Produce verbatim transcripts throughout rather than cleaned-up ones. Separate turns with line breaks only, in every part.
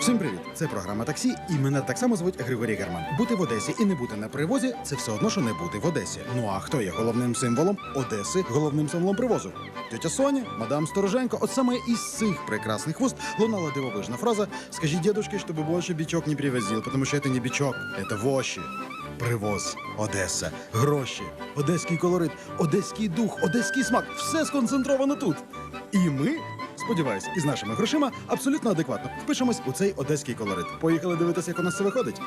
Всім привіт! Це програма «Таксі» і мене так само звуть Григорій Герман. Бути в Одесі і не бути на привозі – це все одно, що не бути в Одесі. Ну а хто є головним символом Одеси, головним символом привозу? Тетя Соня, мадам Стороженко. От саме із цих прекрасних вуст лунала дивовижна фраза «Скажіть дедушке, щоб більше бичок не привозив, тому що це не бичок, це воші». Привоз, Одеса, гроші, одеський колорит, одеський дух, одеський смак – все сконцентровано тут. І ми, сподіваюсь, із нашими грошима абсолютно адекватно впишемось у цей одеський колорит. Поїхали дивитися, як у нас це виходить.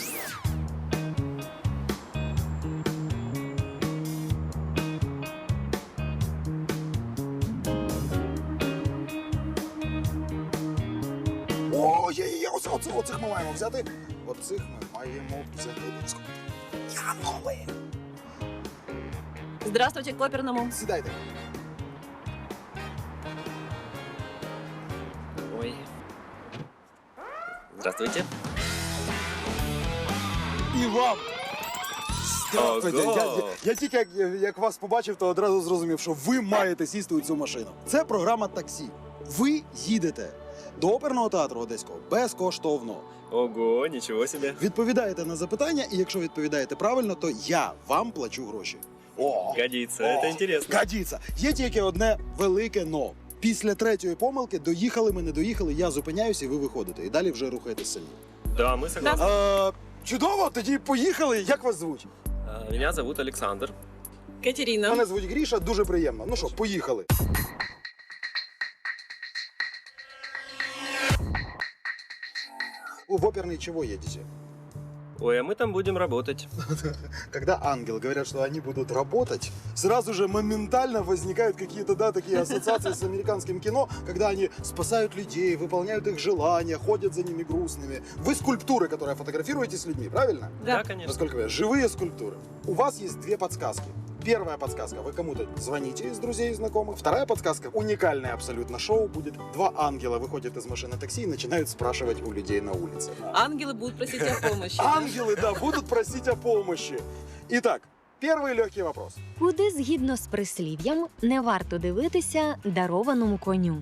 Ой, оце, оце, оцих ми маємо взяти. Оцих ми маємо взяти. Янголи!
Здравствуйте, к оперному.
Сідайте.
Ой. Здравствуйте.
І вам! Здравствуйте!
Ого!
Я, я, я тільки як, як вас побачив, то одразу зрозумів, що ви маєте сісти у цю машину. Це програма «Таксі». Ви їдете до оперного театру Одеського безкоштовно.
Ого, ничего себе.
Відповідаєте на запитання, і якщо відповідаєте правильно, то я вам плачу гроші. О!
Годится,
О!
это интересно.
Годиться! Є тільки одне велике «но». Після третьої помилки доїхали ми, не доїхали, я зупиняюся і ви виходите. І далі вже рухаєтесь самі.
Да, мы согласны.
А, чудово, тоді поїхали. Як вас звуть?
А, Меня зовут Александр.
Катерина.
Мене звуть Гріша, дуже приємно. Ну що, поїхали. В оперный чего едете?
Ой, а мы там будем работать.
Когда ангелы говорят, что они будут работать, сразу же моментально возникают какие-то, да, такие ассоциации с американским кино, когда они спасают людей, выполняют их желания, ходят за ними грустными. Вы скульптуры, которые фотографируете с людьми, правильно?
Да, конечно.
Насколько я, живые скульптуры. У вас есть две подсказки. Первая подсказка, вы кому-то звоните из друзей и знакомых. Вторая подсказка, уникальное абсолютно шоу будет. Два ангела выходят из машины такси и начинают спрашивать у людей на улице.
Ангелы будут просить о помощи. да?
Ангелы, да, будут просить о помощи. Итак, первый легкий вопрос.
Куди, згідно з прислів'ям, не варто дивитися дарованому коню?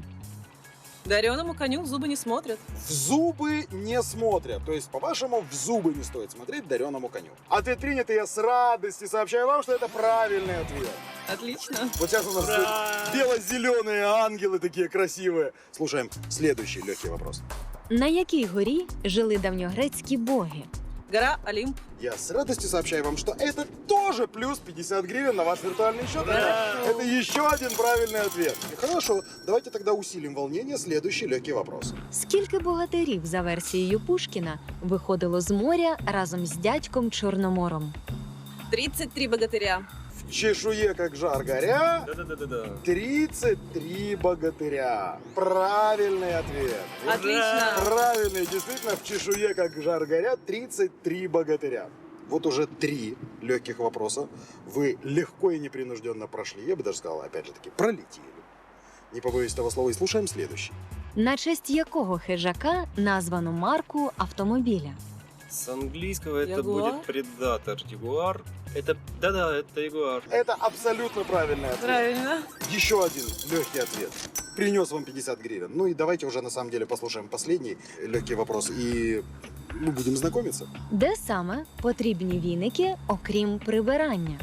Дареному коню в зубы не смотрят.
В зубы не смотрят. То есть, по-вашему, в зубы не стоит смотреть дареному коню. Ответ принят, и я с радостью сообщаю вам, что это правильный ответ.
Отлично.
Вот сейчас у нас
Ура!
бело-зеленые ангелы такие красивые. Слушаем следующий легкий вопрос.
На якій горі жили давньогрецькі боги?
Гора Олимп.
Я с радостью сообщаю вам, что это тоже плюс пятьдесят гривен на ваш виртуальный счет.
Ура!
Это еще один правильный ответ. Хорошо, давайте тогда усилим волнение. Следующий легкий вопрос.
Скільки богатирів, за версією Пушкіна, виходило з моря разом з дядьком Чорномором?
тридцать три богатыря.
В чешуе, как жар горя,
Да-да-да-да.
тридцать три богатыря. Правильный ответ.
Отлично.
Правильный, действительно, в чешуе, как жар горя, тридцать три богатыря. Вот уже три легких вопроса вы легко и непринужденно прошли. Я бы даже сказал, опять же таки, пролетели. Не побоюсь этого слова, и слушаем следующий.
На честь якого хижака названо марку автомобіля?
С английского это
Ягуар?
будет предатор. Ягуар. Это, да-да, это ягуар.
Это абсолютно правильный ответ.
Правильно.
Еще один легкий ответ. Принес вам пятьдесят гривен. Ну и давайте уже на самом деле послушаем последний легкий вопрос. И мы будем знакомиться.
Де саме потрібні віники, окрім прибирання?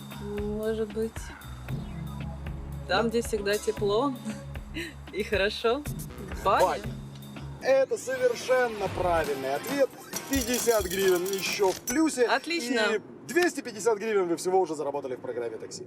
Может быть, там, где всегда тепло и хорошо. Баня.
Баня. Это совершенно правильный ответ. пятьдесят гривен еще в плюсе.
Отлично.
И двести пятьдесят гривен вы всего уже заработали в программе «Такси».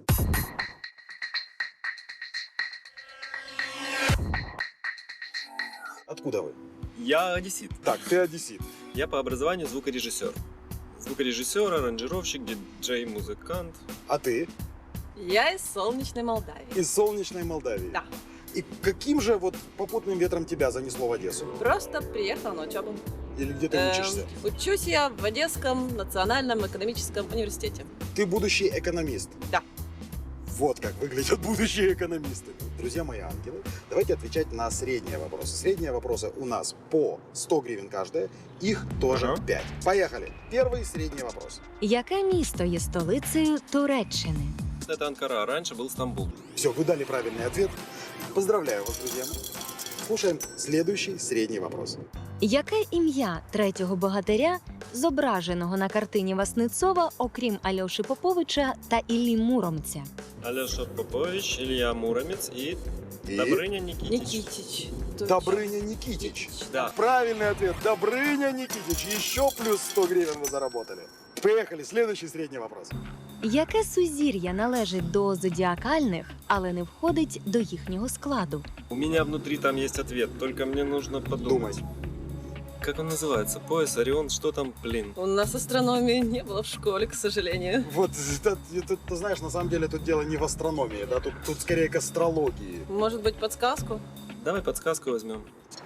Откуда вы?
Я одессит.
Так, ты одессит.
Я по образованию звукорежиссер. Звукорежиссер, аранжировщик, диджей, музыкант.
А ты?
Я из солнечной Молдавии.
Из солнечной Молдавии.
Да.
И каким же вот попутным ветром тебя занесло в Одессу?
Просто приехала на учебу.
Или где ты
Эм,
учишься?
Учусь я в Одесском национальном экономическом университете.
Ты будущий экономист.
Да.
Вот как выглядят будущие экономисты. Друзья мои ангелы, давайте отвечать на средние вопросы. Средние вопросы у нас по сто гривен каждая, их тоже
Ага.
пять. Поехали. Первый средний вопрос.
Яке місто є столицею Туреччини?
Это Анкара, а раньше был Стамбул.
Все, вы дали правильный ответ. Поздравляю вас, друзья. слушаем следующий средний вопрос.
Яке ім'я третього богатиря, зображеного на картині Васнецова, окрім Альоші Поповича та Іллі Муромця?
Алеша Попович, Илья Муромец и
И?
Добрыня Никитич.
Никитич. Точно.
Добрыня Никитич.
Да.
Правильный ответ. Добрыня Никитич. Еще плюс сто гривен вы заработали. Поехали. Следующий средний вопрос.
Яке сузір'я належить до зодіакальних, але не входить до їхнього складу?
У меня внутри там есть ответ, только мне нужно подумать.
Думать.
Как он называется? Пояс, Орион, что там, блин?
У нас астрономии не было в школе, к сожалению.
Вот, это, это, ты знаешь, на самом деле тут дело не в астрономии, да, тут, тут скорее к астрологии.
Может быть, подсказку?
Давай подсказку возьмем.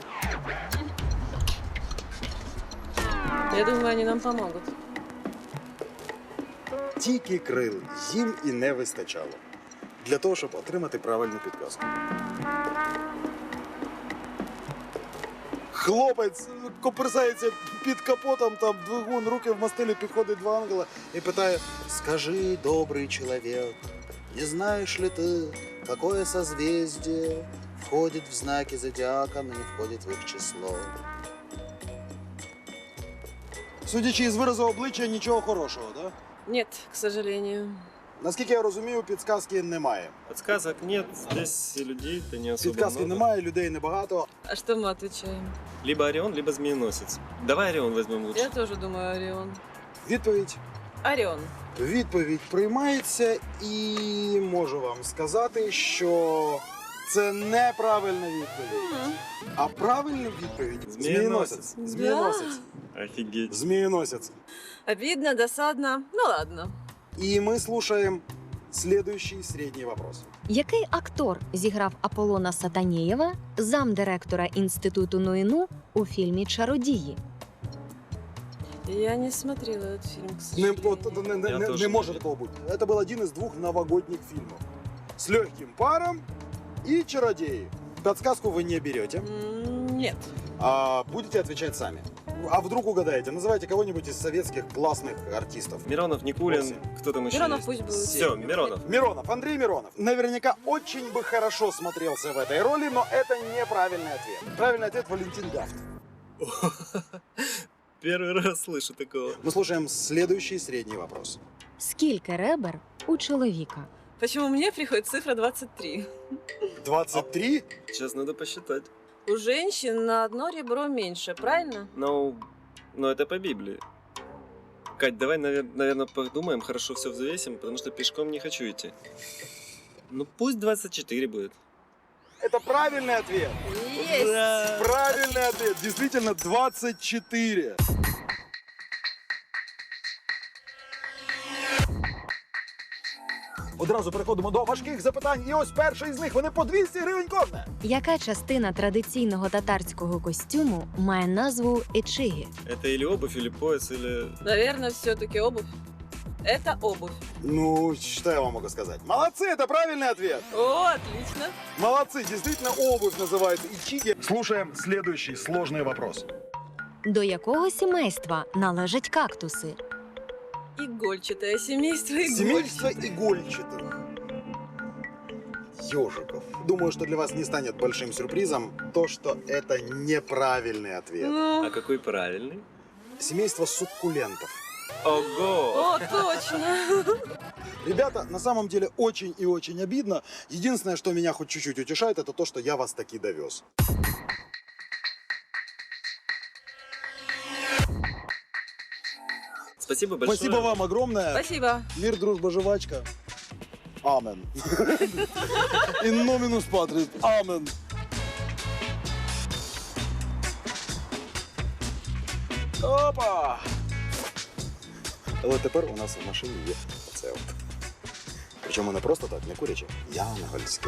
Я думаю, они нам помогут.
Тільки крил їм і не вистачало для того, щоб отримати правильну підказку. Хлопець коперсається під капотом, там двигун, руки в мастилі, підходить два ангела і питає: «Скажи, добрий чоловік, не знаєш ли ти, какое созвездие входить в знаки зодіака, но не входить в їх число?» Судячи із виразу обличчя, нічого хорошого, так? Да?
Нет, к сожалению.
Наскільки я розумію, підсказки немає.
Подсказок нет, здесь и людей-то не особо
Підказки
много.
немає, людей небагато.
А что мы отвечаем?
Либо Орион, либо Змееносец. Давай Орион возьмем лучше.
Я тоже думаю, Орион.
Відповідь.
Орион.
Відповідь приймається, і можу вам сказати, що це неправильна відповідь.
М.
А правильна відповідь
Змієносець.
Змієносець. Змієносець.
Офигеть.
Змієносець.
Обидно, досадно. Ну ладно.
І ми слушаємо следующий середній вопрос.
Який актор зіграв Аполлона Сатанєєва, замдиректора інституту Нуїну у фільмі «Чародії»?
Я не смотрела этот фильм, к
Не,
сожалению.
от, не, не,
Я
не,
теж
не
не
може
знаю.
такого бути. Це був один із двох новогодних фільмів. З легким паром і «Чародеи». Подсказку вы не берете.
М, Нет.
А будете отвечать сами. А вдруг угадаете? Называйте кого-нибудь из советских классных артистов.
Миронов, Никулин,
Восемь.
кто там еще
Миронов
есть?
пусть будет.
Все, Миронов.
Миронов, Андрей Миронов. Наверняка очень бы хорошо смотрелся в этой роли, но это неправильный ответ. Правильный ответ — Валентин Гафт.
Первый раз слышу такого.
Мы слушаем следующий средний вопрос.
Скільки ребер у чоловіка?
Почему мне приходит цифра двадцать три?
двадцать три?
Сейчас надо посчитать.
У женщин на одно ребро меньше, правильно?
Ну, ну это по Библии. Кать, давай, наверное, подумаем, хорошо все взвесим, потому что пешком не хочу идти. Ну пусть двадцать четыре будет.
Это правильный ответ.
Есть!
Ура!
Правильный ответ. Действительно, двадцать четыре. Одразу переходимо до важких запитань. І ось перший з них. Вони по двісті гривень кожне.
Яка частина традиційного татарського костюму має назву ечигі?
Это или обувь, или пояс, или...
Наверное, все-таки обувь. Это обувь.
Ну, что я вам могу сказать? Молодцы, это правильный ответ.
О, отлично.
Молодцы, действительно, обувь называется ичиги. Слушаем следующий сложный вопрос.
До якого сімейства належать кактуси?
Игольчатое семейство игольчатых.
Семейство игольчатых. Ежиков. Думаю, что для вас не станет большим сюрпризом то, что это неправильный ответ.
Ну,
А какой правильный?
Семейство суккулентов.
Ого!
о, точно.
Ребята, на самом деле очень и очень обидно. Единственное, что меня хоть чуть-чуть утешает, это то, что я вас таки довез.
Спасибо большое.
Спасибо вам огромное.
Спасибо.
Мир, дружба, жвачка. Амен. In nominus patris. Амен. Опа! Але тепер у нас в машині є оце от. Причому не просто так, не куряче, янгольське.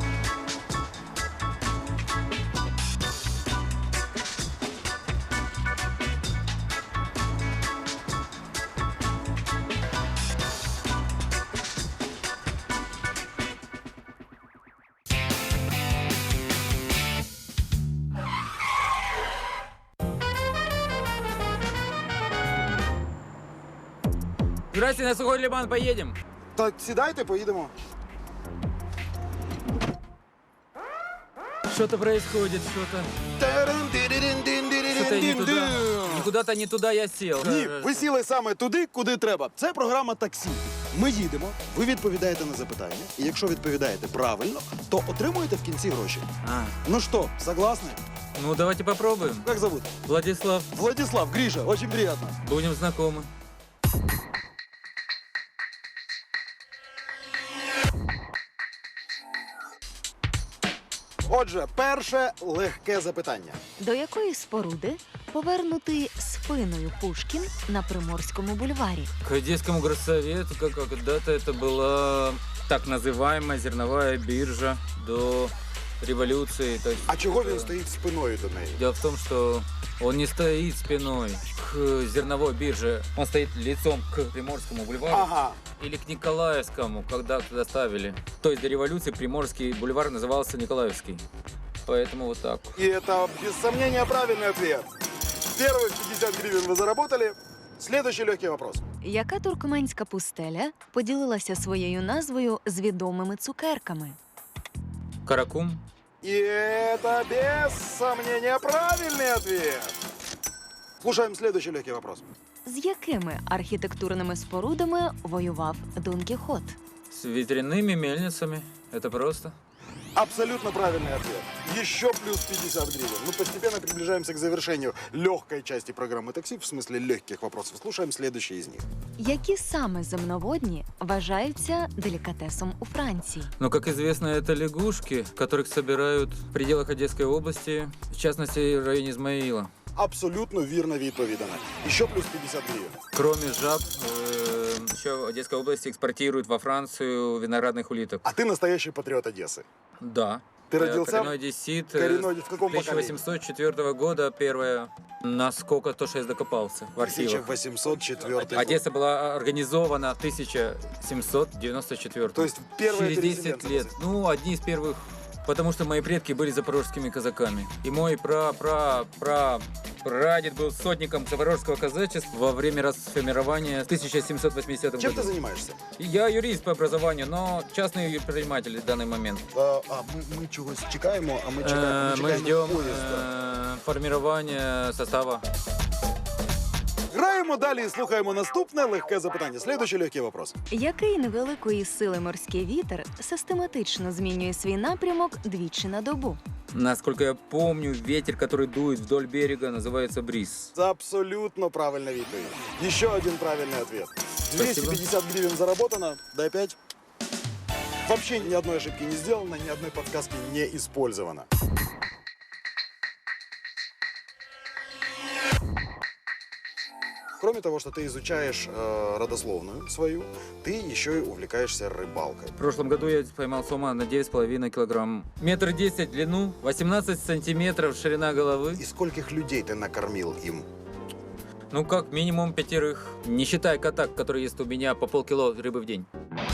Здрасте, на Сухой Лиман поедем.
Так, сідайте, поїдемо.
Что-то происходит, что-то. Что-то не туда. Ну, Куда-то не туда я сел.
Ні, ви сіли саме туди, куди треба. Це програма таксі. Ми їдемо, ви відповідаєте на запитання, і якщо відповідаєте правильно, то отримуєте в кінці гроші.
А,
Ну що, согласны?
ну давайте попробуем.
Как зовут?
Владислав,
Владислав, Гриша, очень приятно.
будем знакомы.
Отже, перше легке запитання.
До якої споруди повернутий спиною Пушкін на Приморському бульварі?
К Одесскому горсовету, как когда-то это была так называемая зерновая биржа до революции. То есть,
А чого
э,
він стоїть спиною до неї?
Дело в том, что он не стоит спиной к зерновой бирже, он стоит лицом к Приморскому бульвару
Ага.
или к Николаевскому, когда туда ставили. То есть до революции Приморский бульвар назывался Николаевский. Поэтому вот так.
И это, без сомнения, правильный ответ. Первых пятьдесят гривен вы заработали. Следующий легкий вопрос.
Яка туркменська пустеля поділилася своєю назвою з відомими цукерками?
Каракум.
И это, без сомнения, правильный ответ. Слушаем следующий легкий вопрос.
З якими архітектурними спорудами воював Дон Кіхот?
С ветряными мельницами. Это просто.
Абсолютно правильный ответ. Еще плюс пятьдесят гривен. Мы постепенно приближаемся к завершению легкой части программы «Такси», в смысле легких вопросов. Слушаем следующий из них.
Які саме земноводні вважаються делікатесом у Франції?
Но, как известно, это лягушки, которых собирают в пределах Одесской области, в частности, в районе Измаила.
Абсолютно вірно відповідано. Еще плюс пятьдесят гривен.
Кроме жаб, э, еще Одесская область экспортирует во Францию виноградных улиток.
А ты настоящий патриот Одессы.
Да.
Ты
Я
родился
коренной одессит. э,
коренной в каком
тысяча восемьсот четвёртого года первое. Насколько то, что я докопался в архивах.
тысяча восемьсот четвёртый.
Одесса была организована в тысяча семьсот девяносто четвёртом.
То есть первые
Через десять
переселенцы.
лет. Ну, одни из первых. Потому что мои предки были запорожскими казаками. И мой пра-пра-пра прадед был сотником запорожского казачества во время расформирования в тысяча семьсот восьмидесятом
Чем
году.
ты занимаешься?
И Я юрист по образованию, но частный предприниматель в данный момент.
А, а ми, ми чогось чекаємо, а ми
Э,
чекаємо, ми
Мы
чекаємо
ждем
поїзда.
э, формирования состава.
Граємо далі і слухаємо наступне легке запитання. Следующий легкий вопрос.
Який невеликої сили морський вітер систематично змінює свій напрямок двічі на добу?
Насколько я помню, ветер, который дует вдоль берега, называется бриз.
Це абсолютно правильна відповідь. Еще один правильный ответ. двести пятьдесят гривен заработано. Дай пять. Вообще ни одной ошибки не сделано, ни одной подсказки не использовано. Кроме того, что ты изучаешь э, родословную свою, ты еще и увлекаешься рыбалкой.
В прошлом году я поймал сома на девять с половиной килограмм. Метр десять в длину, восемнадцать сантиметров ширина головы.
И скольких людей ты накормил им?
Ну, как минимум пятерых. Не считая кота, который ест у меня по полкило рыбы в день.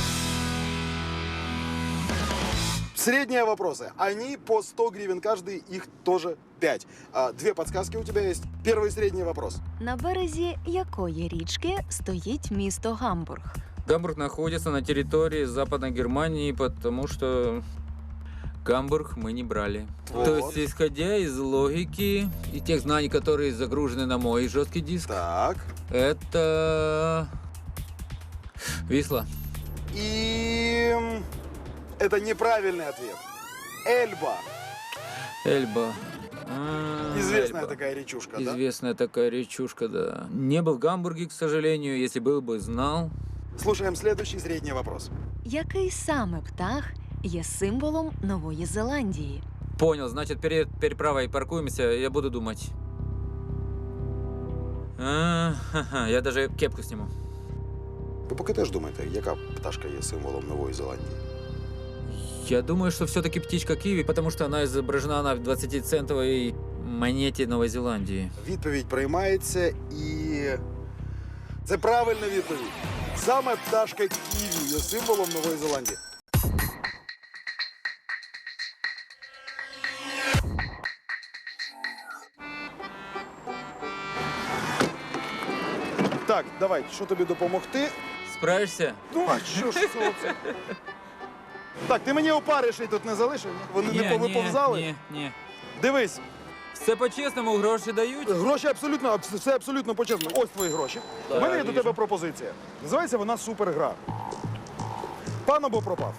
Средние вопросы. Они по сто гривен каждый, их тоже пять. А, две подсказки у тебя есть. Первый средний вопрос.
На березі якої річки стоїть місто Гамбург?
Гамбург находится на территории Западной Германии, потому что Гамбург мы не брали.
Вот.
То есть, исходя из логики и тех знаний, которые загружены на мой жесткий диск,
Так.
это Висла.
И это неправильный ответ. Эльба.
Эльба. А,
Известная
Эльба.
такая речушка, да?
Известная такая речушка, да. Не был в Гамбурге, к сожалению. Если был бы, знал.
Слушаем следующий средний вопрос.
Який саме птах є символом Нової Зеландії?
Понял, значит, перед переправой паркуемся, я буду думать. А, ха-ха, я даже кепку сниму.
Ви поки теж думаєте, яка пташка є символом Нової Зеландії?
Я думаю, что все-таки птичка киви, потому что она изображена на двадцатицентовой монете Новой Зеландии.
Відповідь приймається і... Це правильна відповідь. Саме пташка ківі є символом Нової Зеландії. Так, давай, що тобі допомогти?
Справишься?
Ну, а що ж це? Так, ти мені опариші тут не залишив? ні? Вони не повиповзали?
ні, ні.
Дивись,
Все по-чесному, гроші дають.
гроші абсолютно, абс- все абсолютно почесно. Ось твої гроші.
Да,
У мене є до
вижу.
тебе пропозиція. Називається вона супергра. Пан або пропав.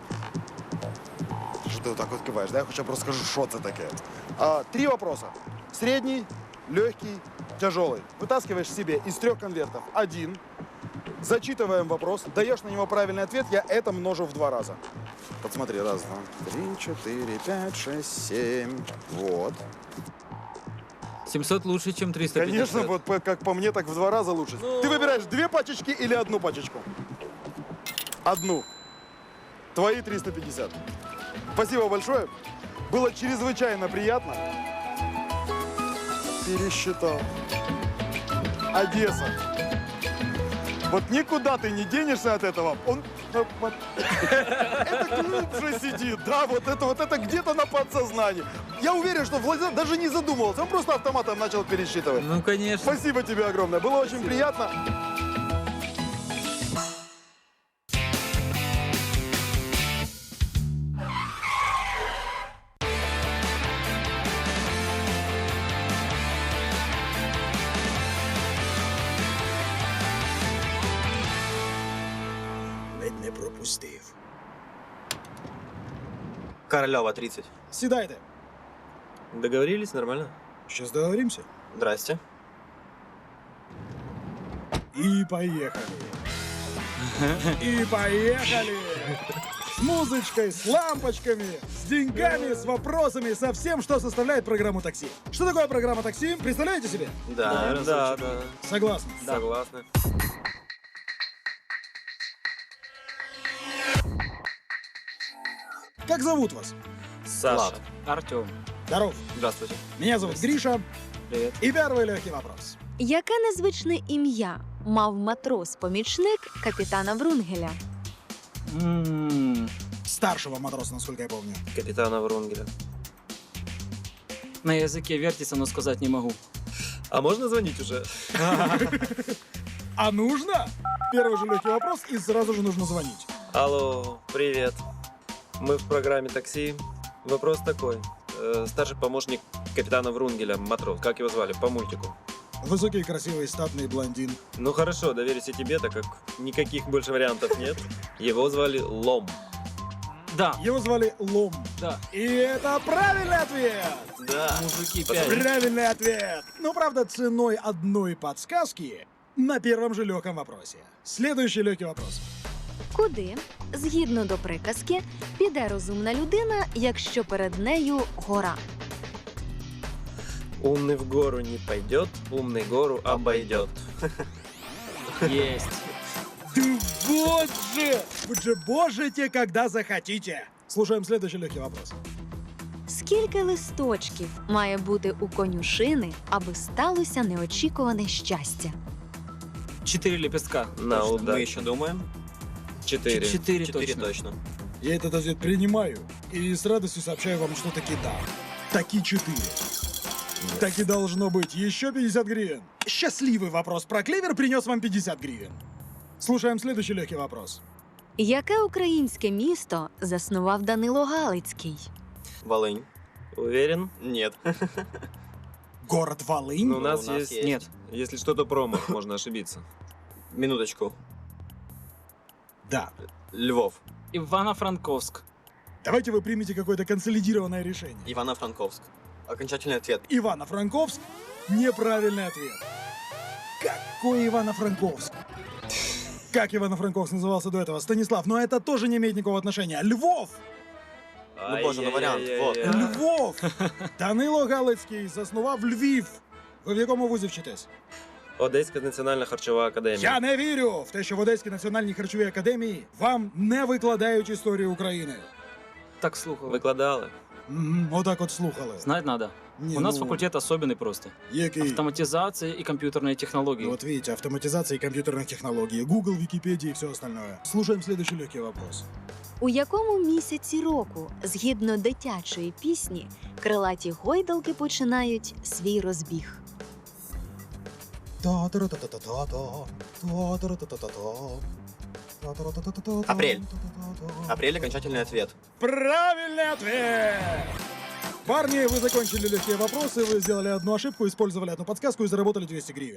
Що ти отак от киваєш? Да? Я хоча б розкажу, що це таке. А, три вопроса. Средний, легкий, тяжелый. Вытаскиваешь себе из трех конвертов один, зачитываем вопрос, даешь на него правильный ответ, я это множу в два раза. Вот смотри, раз, два, три, четыре, пять, шесть, семь. Вот.
семьсот лучше, чем триста пятьдесят.
Конечно, вот по- как по мне, так в два раза лучше. Ты выбираешь две пачечки или одну пачечку? Одну. Твои триста пятьдесят. Спасибо большое. Было чрезвычайно приятно. Пересчитал. Одесса. Вот никуда ты не денешься от этого. Он э, вот, это глубже сидит, да, вот это вот это где-то на подсознании. Я уверен, что Владимир даже не задумывался, он просто автоматом начал пересчитывать.
Ну, конечно.
Спасибо тебе огромное, было очень приятно.
Ледь не пропустив.
Королева, тридцать.
Сідайте.
Договорились нормально?
Щас договоримся.
Здрасте.
И поехали. И поехали. С музычкой, с лампочками, с деньгами, с вопросами, со всем, что составляет программу такси. Что такое программа такси? Представляете себе?
Да,
Да, да,
Согласны.
согласны.
Как зовут вас?
Саша.
Влад.
Артем.
Здоров.
Здравствуйте.
Меня зовут Гриша.
Привет.
И первый легкий вопрос.
Яке незвичне ім'я мав матрос-помічник капітана Врунгеля?
М,
Старшего матроса, насколько я помню.
Капитана Врунгеля.
На языке вертится, но сказать не могу.
А можно звонить уже?
А нужно? Первый же легкий вопрос, и сразу же нужно звонить.
Алло, привет. Мы в программе такси. Вопрос такой. Э, Старший помощник капитана Врунгеля, матрос. Как его звали? По мультику.
Высокий, красивый, статный блондин.
Ну хорошо, доверюсь и тебе, так как никаких больше вариантов нет. Его звали Лом.
Да,
Его звали Лом.
да.
И это правильный ответ!
Да.
Мужики
Спасибо.
пять.
Правильный ответ! Но, правда, ценой одной подсказки на первом же легком вопросе. Следующий легкий вопрос.
Куди, згідно до приказки, піде розумна людина, якщо перед нею гора?
Умный в гору не пойдет, умный гору обойдет.
Есть.
Да вот же! Вы же можете, когда захотите! Слушаем следующий легкий вопрос.
Скільки листочків має бути у конюшини, аби сталося неочікуване щастя?
Четыре лепестка.
На
Точно. Мы
удачу.
еще думаем.
Четыре.
Четыре
Четыре
точно.
точно.
Я этот ответ принимаю и с радостью сообщаю вам, что таки да. Таки четыре. Так и должно быть. Еще пятьдесят гривен. Счастливый вопрос про клевер принес вам пятьдесят гривен. Слушаем следующий легкий вопрос.
Яке українське місто заснував Данило Галицький?
Волынь.
Уверен?
Нет.
Город Волынь?
Ну, у нас,
у нас
есть...
есть.
Нет.
Если что-то промах, можно ошибиться.
Минуточку.
Да.
Львов.
Ивано-Франковск.
Давайте вы примете какое-то консолидированное решение.
Ивано-Франковск. Окончательный ответ.
Ивано-Франковск – неправильный ответ. Какой Ивано-Франковск? Как Ивано-Франковск назывался до этого? Станислав, но это тоже не имеет никакого отношения. Львов!
Ну, боже, ну вариант, вот.
Ай-яй-яй-яй.
Львов! Данило Галицький заснував Львів. Ви в якому вузі вчитесь?
Одеська національна харчова академія.
Я не вірю в те, що в Одеській національній харчовій академії вам не викладають історію України.
Так слухал.
Викладали.
Мгм, отак от слухали.
Знать надо.
Ні,
У нас
ну,
факультет особенный просто.
Який?
Автоматизация и компьютерные технологии.
Вот видите, автоматизация и компьютерных технологий, Google, Википедия и все остальное. Слушаем следующий легкий вопрос.
У якому місяці року, згідно дитячої пісні, крилаті гойдалки починають свій розбіг?
Та-та-ра-та-та-та-та, та-та-ра-та-та-та-та.
Апрель. Апрель — окончательный ответ.
Правильный ответ! Парни, вы закончили легкие вопросы, вы сделали одну ошибку, использовали одну подсказку и заработали двести гривен.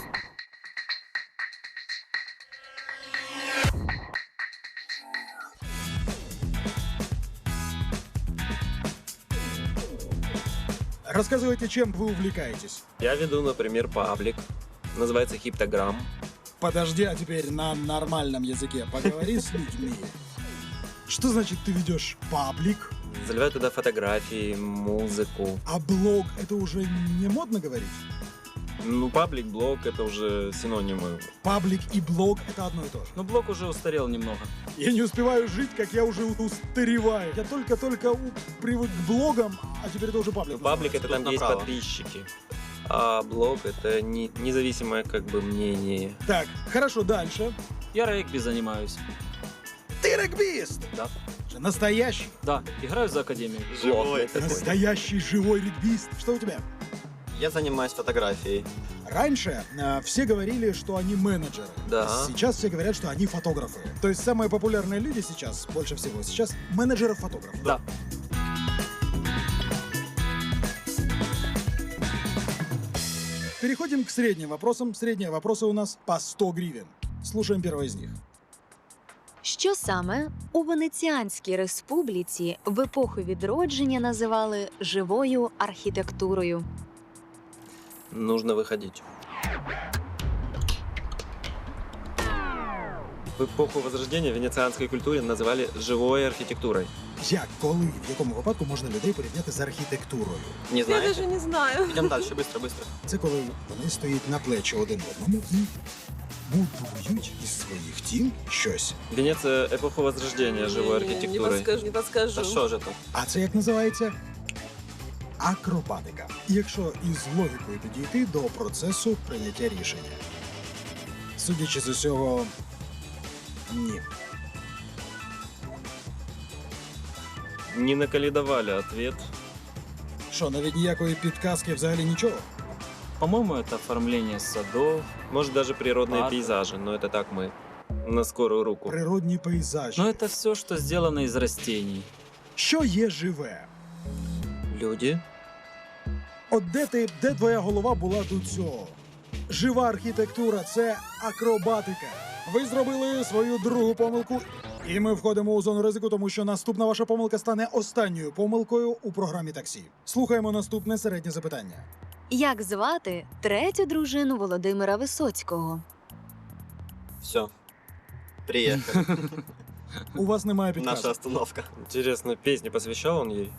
Рассказывайте, чем вы увлекаетесь.
Я веду, например, паблик. Называется Хиптограмм.
Подожди, а теперь на нормальном языке поговори с людьми. Что значит ты ведешь паблик?
Заливаю туда фотографии, музыку.
А блог — это уже не модно говорить?
Ну, паблик, блог — это уже синонимы.
Паблик и блог — это одно и то же.
Но блог уже устарел немного.
Я не успеваю жить, как я уже устареваю. Я только-только у- привык к блогам, а теперь это уже паблик.
Ну, паблик — это
Тут
там, где есть
направо.
подписчики. А блог — это не, независимое как бы мнение.
Так, хорошо, дальше.
Я регби занимаюсь.
Ты регбист!
Да.
Же настоящий,
Да, играю за академию.
Живой такой.
настоящий живой регбист. Что у тебя?
Я занимаюсь фотографией.
Раньше э, все говорили, что они менеджеры.
Да.
Сейчас все говорят, что они фотографы. То есть самые популярные люди сейчас, больше всего сейчас, менеджеры-фотографы.
Да.
Переходим к средним вопросам. Средние вопросы у нас по сто гривен. Слушаем первый из них.
Що саме у Венеціанській республіці в епоху відродження називали живою архітектурою?
Нужно выходить. В эпоху Возрождения в венецианской культуре называли живой архитектурой.
Як, коли, в якому випадку можна людей порівняти з архітектурою?
Не
Я
знаете?
даже не знаю.
Идем дальше, быстро, быстро.
Це коли вони стоять на плечі один одному і будують із своїх тіл щось.
Венеция эпоху Возрождения живой
Не, не
архитектурой.
подскажу, не подскажу.
Да что же это?
А це як називається? Акробатика. Якщо із логікою підійти до процесу прийняття рішення. Судячи з усього, ні.
Не накалидовали ответ.
Що, навіть ніякої підказки взагалі нічого?
По-моему, это оформление садов.
Может, даже природные
Ладно.
пейзажи, но это так мы на скорую руку.
Природні пейзажі.
Но это все, что сделано из растений.
Що є живе?
Люди.
От де ти, де твоя голова була до цього? Жива архітектура – це акробатика. Ви зробили свою другу помилку, і ми входимо у зону ризику, тому що наступна ваша помилка стане останньою помилкою у програмі таксі. Слухаємо наступне середнє запитання.
Як звати третю дружину Володимира Висоцького?
Все. Приехали.
У вас немає
Наша
підказки.
остановка.
Интересно, песни посвящал он ей?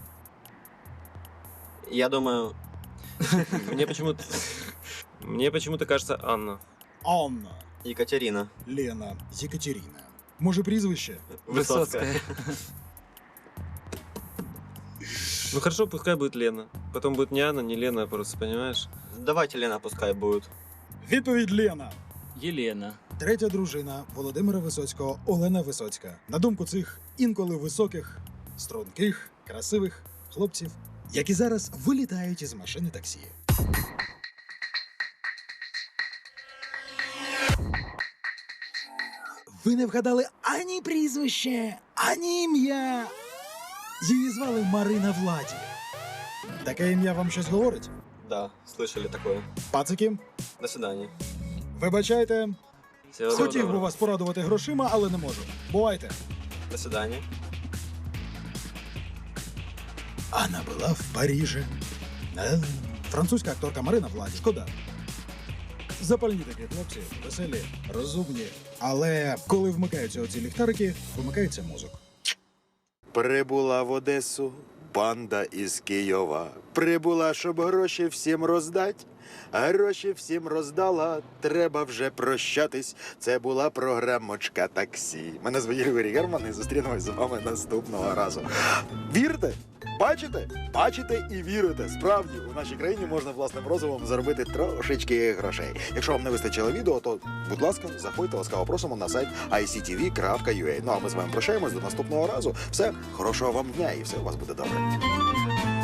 Я думаю,
Мне почему-то... Мне почему-то кажется Анна.
Анна,
Екатерина.
Лена, Єкатерина. Може прізвище?
Высоцкая.
Ну хорошо, пускай будет Лена. Потом будет не Анна, не Лена, просто, понимаешь?
Давайте Лена пускай будет.
Відповідь Лена.
Елена.
Третя дружина Володимира Висоцького Олена Висоцька. На думку цих інколи високих, струнких, красивих хлопців, які зараз вилітають із машини таксі. Ви не вгадали ані прізвище, ані ім'я. Її звали Марина Владі. Таке ім'я вам щось говорить?
Да, слышали такое.
Пацики,
До свидания.
вибачайте,
Всего
хотів би
доброго.
вас порадувати грошима, але не можу. Бувайте.
До свидания.
Она была в Париже. Е, Французька акторка Марина Владі. Шкода. Запальні такі хлопці, веселі, розумні. Але коли вмикаються оці ліхтарики, вимикається мозок.
Прибула в Одесу банда із Києва. Прибула, щоб гроші всім роздать. Гроші всім роздала, треба вже прощатись. Це була програмочка таксі. Мене звуть Григорій Герман і зустрінемось з вами наступного разу. Вірите? Бачите? Бачите і вірите. Справді, у нашій країні можна власним розумом заробити трошечки грошей. Якщо вам не вистачило відео, то, будь ласка, заходьте, ласкаво просимо на сайт ай сі ті ві крапка ю а. Ну а ми з вами прощаємось до наступного разу. Все, хорошого вам дня і все у вас буде добре.